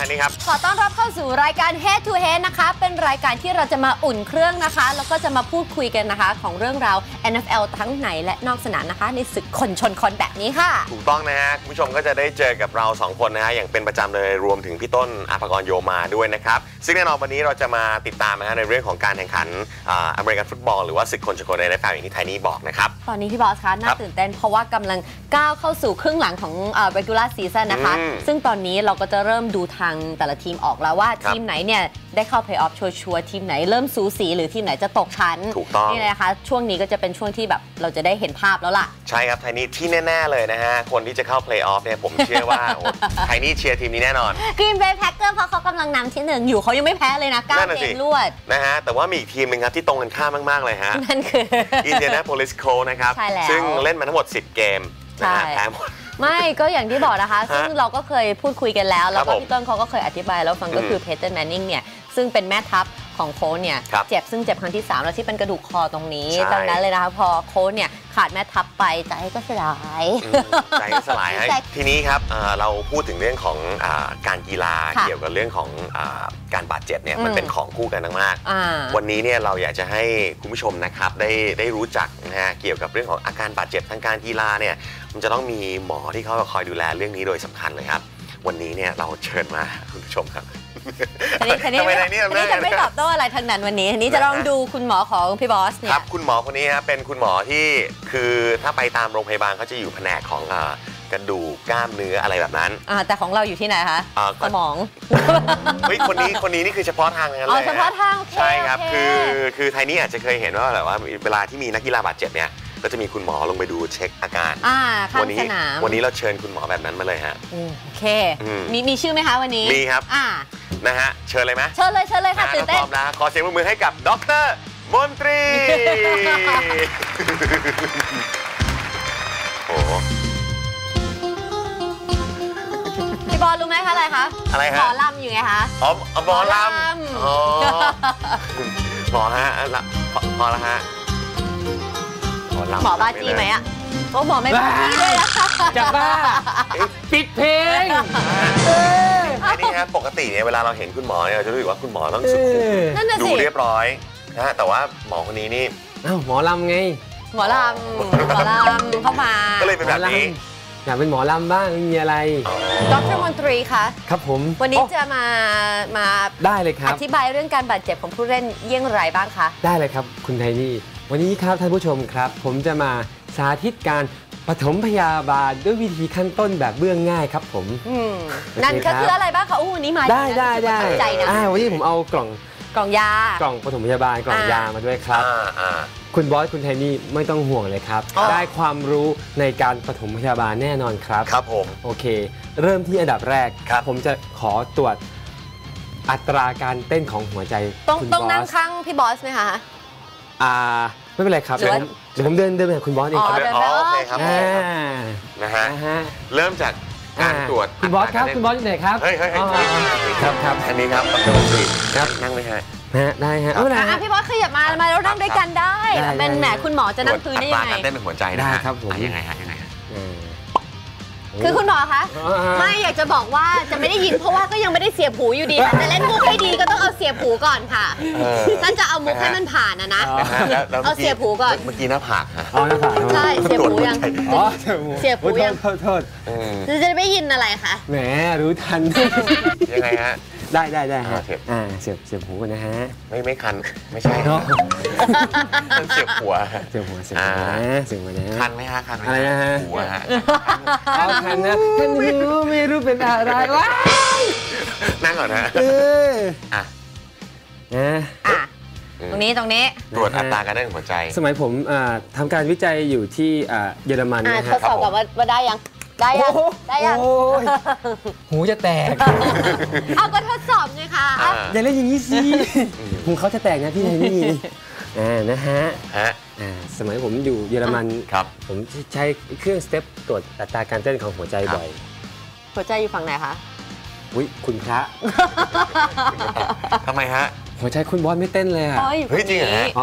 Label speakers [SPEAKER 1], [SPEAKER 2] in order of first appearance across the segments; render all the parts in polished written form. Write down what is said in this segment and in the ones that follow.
[SPEAKER 1] ทางนี้ครับ
[SPEAKER 2] ขอต้อนรับเข้าสู่รายการ Head to Head นะคะเป็นรายการที่เราจะมาอุ่นเครื่องนะคะแล้วก็จะมาพูดคุยกันนะคะของเรื่องราว NFL ทั้งในและนอกสนามนะคะในศึกคนชนคนแบบนี้ค่ะ
[SPEAKER 1] ถูกต้องนะฮะคุณผู้ชมก็จะได้เจอกับเรา2คนนะฮะอย่างเป็นประจำเลยรวมถึงพี่ต้นอาภากรโยมาด้วยนะครับซึ่งแน่นอนวันนี้เราจะมาติดตามนะฮะในเรื่องของการแข่งขันอเมริกันฟุตบอลหรือว่าศึกคนชนคนในNFLอย่างที่ไทนี่บอกนะครับ
[SPEAKER 2] ตอนนี้พี่บอสคะน่าตื่นเต้นเพราะว่ากำลังก้าวเข้าสู่ครึ่งหลังของregular season นะคะซึ่งตอนนี้เราก็จะเริ่มดูทางแต่ละทีมออกแล้วว่าทีมไหนเนี่ยได้เข้า play off ชัวร์ทีมไหนเริ่มสูสีหรือทีมไหนจะตกชั้น
[SPEAKER 1] ถูกต้อง
[SPEAKER 2] นี่นะคะช่วงนี้ก็จะเป็นช่วงที่แบบเราจะได้เห็นภาพแล้วล่ะ
[SPEAKER 1] ใช่ครับไทนี่ที่แน่ๆเลยนะฮะคนที่จะเข้า play off เนี่ยผมเชื่อว่าไทนี่เชียร์ทีมนี้แน่นอน
[SPEAKER 2] Green Bay Packers เพราะเขากำลังนำที่1อยู่เขายังไม่แพ้เลยนะ9 เกมรวด
[SPEAKER 1] นะฮะแต่ว่ามีอีกทีมหนึ่งครับที่ตรงกันข้ามมากๆเลยฮะ
[SPEAKER 2] นั่นคือ
[SPEAKER 1] Indianapolis Colts นะครับซึ่งเล่นมาทั้งหมด10 เกมนะฮะแพ้หมด
[SPEAKER 2] ไม่ก็อย่างที่บอกนะคะซึ่งเราก็เคยพูดคุยกันแล้วแล้วก็พี่ต้นเขาก็เคยอธิบายแล้วฟังก็คือเพเทอร์แมนนิงเนี่ยซึ่งเป็นแม่ทัพของโค้ชเนี่ยเจ็บครั้งที่3แล้วที่เป็นกระดูกคอตรงนี้ดังนั้นเลยนะคะพอโค้ชเนี่ยขาดแม่ทัพไปใจก็สลาย
[SPEAKER 1] ใจก็สลายทีนี้ครับเราพูดถึงเรื่องของการกีฬาเกี่ยวกับเรื่องของการบาดเจ็บเนี่ยมันเป็นของคู่กันมากๆวันนี้เนี่ยเราอยากจะให้คุณผู้ชมนะครับได้รู้จักนะฮะเกี่ยวกับเรื่องของอาการบาดเจ็บทางการกีฬาเนี่ยมันจะต้องมีหมอที่เขาคอยดูแลเรื่องนี้โดยสำคัญเลยครับวันนี้เนี่ยเราเชิญมาคุณผู้ชมครับ
[SPEAKER 2] ทีนี้จะไม่ตอบโต้อะไรทางนั้นวันนี้ทีนี้จะลองดูคุณหมอของพี่บอสเนี่ย
[SPEAKER 1] ครับคุณหมอคนนี้ครับเป็นคุณหมอที่คือถ้าไปตามโรงพยาบาลเขาจะอยู่แผนกของกระดูกกล้ามเนื้ออะไรแบบนั้น
[SPEAKER 2] แต่ของเราอยู่ที่ไหนคะสมอง
[SPEAKER 1] เฮ้ยคนนี้นี่คือเฉพาะทางนั้นเลย
[SPEAKER 2] เฉพาะทาง
[SPEAKER 1] ใช่ครับคือไทนี่อาจจะเคยเห็นว่าแบบว่าเวลาที่มีนักกีฬาบาดเจ็บเนี่ยก็จะมีคุณหมอลงไปดูเช็คอาการ
[SPEAKER 2] วัน
[SPEAKER 1] นี้เราเชิญคุณหมอแบบนั้นมาเลยฮะ
[SPEAKER 2] โอเคมีชื่อไหมคะวันนี้
[SPEAKER 1] มีครับนะฮะเชิญเลยไหม
[SPEAKER 2] เชิญเลยค่ะตื่นเต้น
[SPEAKER 1] พร้อมนะขอเสียงปรบมือให้กับดร.มนตรีโอ้
[SPEAKER 2] พี่บอลรู้ไหมคะอะไรคะ
[SPEAKER 1] ห
[SPEAKER 2] มอลำอยู่ไงคะ
[SPEAKER 1] หมอลำหมอฮะหมอละฮะ
[SPEAKER 2] หมอบ้าจี้ไหมอ่ะหมอไม่บ้าจี้เลยนะ
[SPEAKER 3] จะบ้าปิดเพลง
[SPEAKER 1] นี่ครับปกติเนี่ยเวลาเราเห็นคุณหมอเนี่ยเราจะรู้สึกว่าคุณหมอต้องสุขุมดูเรียบร้อยนะแต่ว่าหมอคนนี้นี่
[SPEAKER 3] หมอลำไง
[SPEAKER 2] หมอลำเข้ามา
[SPEAKER 1] ก็เลยเป็นแบบนี้
[SPEAKER 3] อยากเป็นหมอลำบ้างมีอะไร
[SPEAKER 2] ดร.มนตรีคะ
[SPEAKER 3] ครับผม
[SPEAKER 2] วันนี้จะมา
[SPEAKER 3] ได้เลยครับ
[SPEAKER 2] อธิบายเรื่องการบาดเจ็บของผู้เล่นเยี่ยงไรบ้างคะ
[SPEAKER 3] ได้เลยครับคุณไทนี่วันนี้ครับท่านผู้ชมครับผมจะมาสาธิตการปฐมพยาบาลด้วยวิธีขั้นต้นแบบเบื้องง่ายครับผม
[SPEAKER 2] นั่นก็คืออะไรบ้างคะวันนี้มา
[SPEAKER 3] ได้
[SPEAKER 2] ใจนะ
[SPEAKER 3] วันนี้ผมเอากล่อง
[SPEAKER 2] ยา
[SPEAKER 3] ปฐมพยาบาลกล่องยามาด้วยครับคุณบอสคุณไทนี่ไม่ต้องห่วงเลยครับได้ความรู้ในการปฐมพยาบาลแน่นอนครับ
[SPEAKER 1] ครับผม
[SPEAKER 3] โอเคเริ่มที่อันดับแรกผมจะขอตรวจอัตราการเต้นของหัวใจ
[SPEAKER 2] ต้องนั่งข้างพี่บอสไหมคะ
[SPEAKER 3] ไม่เป็นไรครับเดี๋ยวผมเดินไปหาคุณบอสเองครับ
[SPEAKER 1] โอเคครับนะฮะเริ่มจากการตรวจ
[SPEAKER 3] คุณบอสครับคุณบอสอยู่ไหนครับ
[SPEAKER 1] เฮ้ย
[SPEAKER 3] ครับ
[SPEAKER 1] อันนี้ครับดร.มนตรีครับนั่งเลยฮะ
[SPEAKER 3] ได้ฮะ
[SPEAKER 2] พี่บอสขยับมาแล้วนั่งด้วยกันได้เป็นแหมคุณหมอจะนั่งพื้นได้ยังไง
[SPEAKER 1] การเต้นหัวใจ
[SPEAKER 3] ได้ครับผม
[SPEAKER 1] ยังไง
[SPEAKER 2] คือคุณหมอคะไม่อยากจะบอกว่าจะไม่ได้ยินเพราะว่าก็ยังไม่ได้เสียบหูอยู่ดีแต่จะเล่นมุกให้ดีก็ต้องเอาเสียบหูก่อนค่ะท่านจะเอามุกให้มันผ่านนะเอาเสียบหูก่อน
[SPEAKER 1] เมื่อกี้หน้าผาก
[SPEAKER 3] หน้าผาก
[SPEAKER 2] ใช่เสียบหูยังเสียบหูยัง
[SPEAKER 3] โทษ
[SPEAKER 2] จะไม่ยินอะไรคะ
[SPEAKER 3] แหมรู้ทัน
[SPEAKER 1] ยังไงฮะ
[SPEAKER 3] ได้ฮะเสียบหูกันนะฮะ
[SPEAKER 1] ไม่คันไม่ใช่เนาะเสียบหัว
[SPEAKER 3] นะ
[SPEAKER 1] คันไหมฮะคัน
[SPEAKER 3] อะไรนะฮะ
[SPEAKER 1] หัวฮะ
[SPEAKER 3] คันนะคันไม่รู้เป็นอะไรวะ
[SPEAKER 1] นั่งก่อนนะ
[SPEAKER 2] ตรงนี้
[SPEAKER 1] ตรวจอัตราการเต้นหัวใจ
[SPEAKER 3] สมัยผมทำการวิจัยอยู่ที่เยอรมันนะ
[SPEAKER 2] ฮะทดสอบกับว่าได้ยัง
[SPEAKER 3] หูจะแตก
[SPEAKER 2] เอาก็ทดสอบไงคะ
[SPEAKER 3] อย่าเล่นอย่างนี้สิหูเขาจะแตกนะพี่ไทนี่นะฮะสมัยผมอยู่เยอรมันผมใช้เครื่องสเต็ปตรวจอัตราการเต้นของหัวใจบ่อย
[SPEAKER 2] หัวใจอยู่ฝั่งไหนคะ
[SPEAKER 3] อุ้ยคุณพระ
[SPEAKER 1] ทำไมฮะ
[SPEAKER 3] หัวใจคุณบอสไม่เต้นเลยอ่ะ
[SPEAKER 1] เฮ้ยจริงเหรอฮะ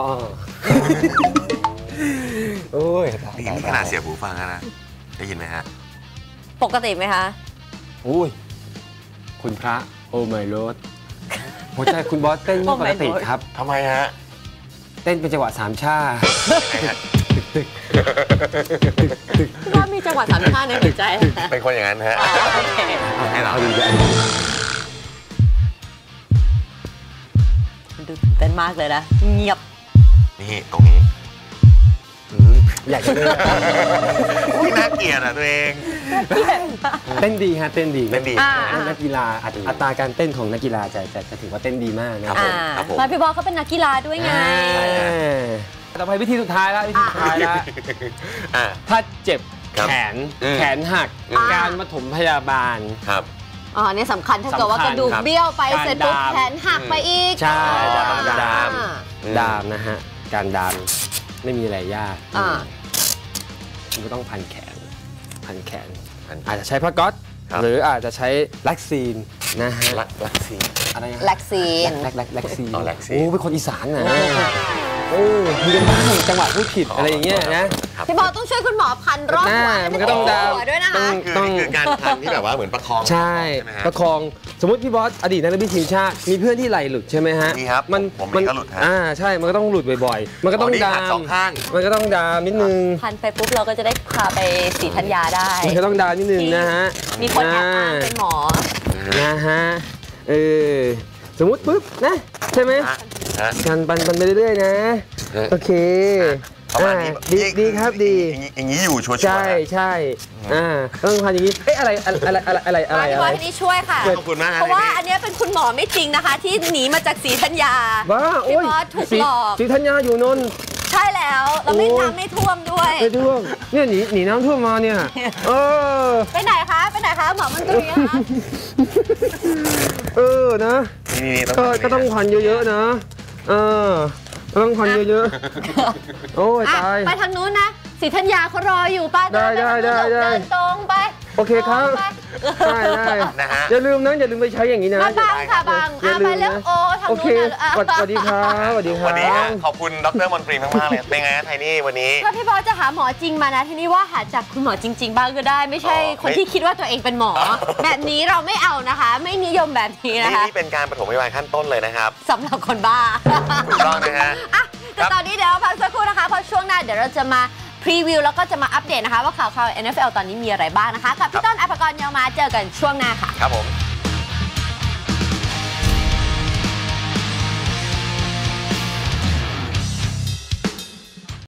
[SPEAKER 3] โอ้ย
[SPEAKER 1] นี่ขนาดเสียบหูฟังนะได้ยินไหมฮะ
[SPEAKER 2] ปกติไหมคะ
[SPEAKER 3] อุ้ยคุณพระโอ้ไม่รถหัวใจคุณบอสเต้นไม่ปกติครับ
[SPEAKER 1] ทำไมฮะ
[SPEAKER 3] เต้นเป็นจังหวะ3 ชา
[SPEAKER 2] ก็มีจังหวะ3 ชาในหัวใจ
[SPEAKER 1] เป็นคนอย่างนั้นฮะให้เรา
[SPEAKER 3] ดู
[SPEAKER 2] ตื่นเต้นมากเลยนะเงียบ
[SPEAKER 1] นี่ตรงนี้
[SPEAKER 3] อยากจะเล่น
[SPEAKER 1] น่าเกลียดอ่ะตัวเอง
[SPEAKER 3] เต้นดีฮะเต้นดีนักกีฬาอัตราการเต้นของนักกีฬาจะถือว่าเต้นดีมากนะครับ
[SPEAKER 2] มาพี่บอลเขาเป็นนักกีฬาด้วยไง
[SPEAKER 3] ต่อไปวิธีสุดท้ายแล้วถ้าเจ็บแขนหักการปฐมพยาบาล
[SPEAKER 1] ครับ
[SPEAKER 2] นี่สำคัญถ้าเกิดว่ากระดูกเบี้ยวไปเสร็จปุ๊บแขนหักไปอีก
[SPEAKER 3] ใช่ดามนะฮะการดามไม่มีอะไรยากคุณก็ต้องพันแขนอาจจะใช้ผ้าก๊อซหรืออาจจะใช้แล็กซีนนะฮะ
[SPEAKER 1] แล็กซีน
[SPEAKER 2] อะไรแล็กซีน
[SPEAKER 3] โอ้เป็นคนอีสานนะมีกันบ้างจังหวะพูดผิดอะไรอย่างเงี้ยนะ
[SPEAKER 2] พี่บอลต้องช่วยคุณหมอพันรอบหัว
[SPEAKER 3] มันก็ต้องดาม
[SPEAKER 2] ด้วยนะคะ
[SPEAKER 1] คือการพันที่แบบว่าเหมือนประคอง
[SPEAKER 3] ใช่ประคองสมมติพี่บอสอดีตนักเตะทีมชาติมีเพื่อนที่ไหล่หลุดใช่ไหมฮะ
[SPEAKER 1] นี่ครับผมก็หลุดฮะ
[SPEAKER 3] ใช่มันก็ต้องหลุดบ่อยๆมันก็ต้องดาม
[SPEAKER 1] 2 ข้าง
[SPEAKER 3] มันก็ต้องดามนิดนึง
[SPEAKER 2] พันไปปุ๊บเราก็จะได้พาไปศรีธัญญาได้
[SPEAKER 3] มันก็ต้องดามนิดนึงนะฮะ
[SPEAKER 2] มีคนแอบอ้างเป็นหมอ
[SPEAKER 3] นะฮะสมมติปุ๊บนะใช่ไหมการปันไปเรื่อยๆนะโอเคดีครับดี
[SPEAKER 1] อย่างนี้อยู่ชัวร์
[SPEAKER 3] ใช่ต้องพันอย่างนี้อะไร
[SPEAKER 2] พี่บอลที่นี่ช่วยค่ะ
[SPEAKER 1] ขอบคุณมาก
[SPEAKER 2] เพราะว่าอันนี้เป็นคุณหมอไม่จริงนะคะที่หนีมาจากศรีธัญญาพี่บอสถูกหลอก
[SPEAKER 3] ศรีธัญญาอยู่นนท์
[SPEAKER 2] ใช่แล้วเราไม่น้ำไม่ท่วมด้วย
[SPEAKER 3] ไม่ท่วมเนี่ยหนีน้ำท่วมมาเนี่ย
[SPEAKER 2] ไปไหนคะหมอมันตรงนี้คะ
[SPEAKER 3] นะก็ต้องพันเยอะๆนะต้องพันเยอะๆโอ้ยตาย
[SPEAKER 2] ไปทางนู้นนะศรีธัญญาเขารออยู่ป้าเดินตรงไป
[SPEAKER 3] โอเคครับได้
[SPEAKER 1] นะฮะ
[SPEAKER 3] อย่าลืมไปใช้อย่างนี้นะ
[SPEAKER 2] บังค่ะบังไปเร็ว
[SPEAKER 3] โอเคสวัสดีครับ
[SPEAKER 1] วันนี้ขอบคุณดร.มนตรีมากๆเลยเป็นไงไทนี่วันนี้
[SPEAKER 2] ก็พี่บอลจะหาหมอจริงมานะที่นี่ว่าหาจากคุณหมอจริงๆบ้างก็ได้ไม่ใช่คนที่คิดว่าตัวเองเป็นหมอแบบนี้เราไม่เอานะคะไม่นิยมแบบนี้นะคะ
[SPEAKER 1] นี่เป็นการปฐมพยาบาลขั้นต้นเลยนะครับ
[SPEAKER 2] สำหรับคนบ้า
[SPEAKER 1] ถูกต้องนะฮะ
[SPEAKER 2] แต่ตอนนี้เดี๋ยวพักสักครู่นะคะเพราะช่วงหน้าเดี๋ยวเราจะมาพรีวิวแล้วก็จะมาอัปเดตนะคะว่าข่าว NFL ตอนนี้มีอะไรบ้างนะคะกับพี่ต้นอภกร เยาวมาเจอกันช่วงหน้าค่ะ
[SPEAKER 1] ครับผม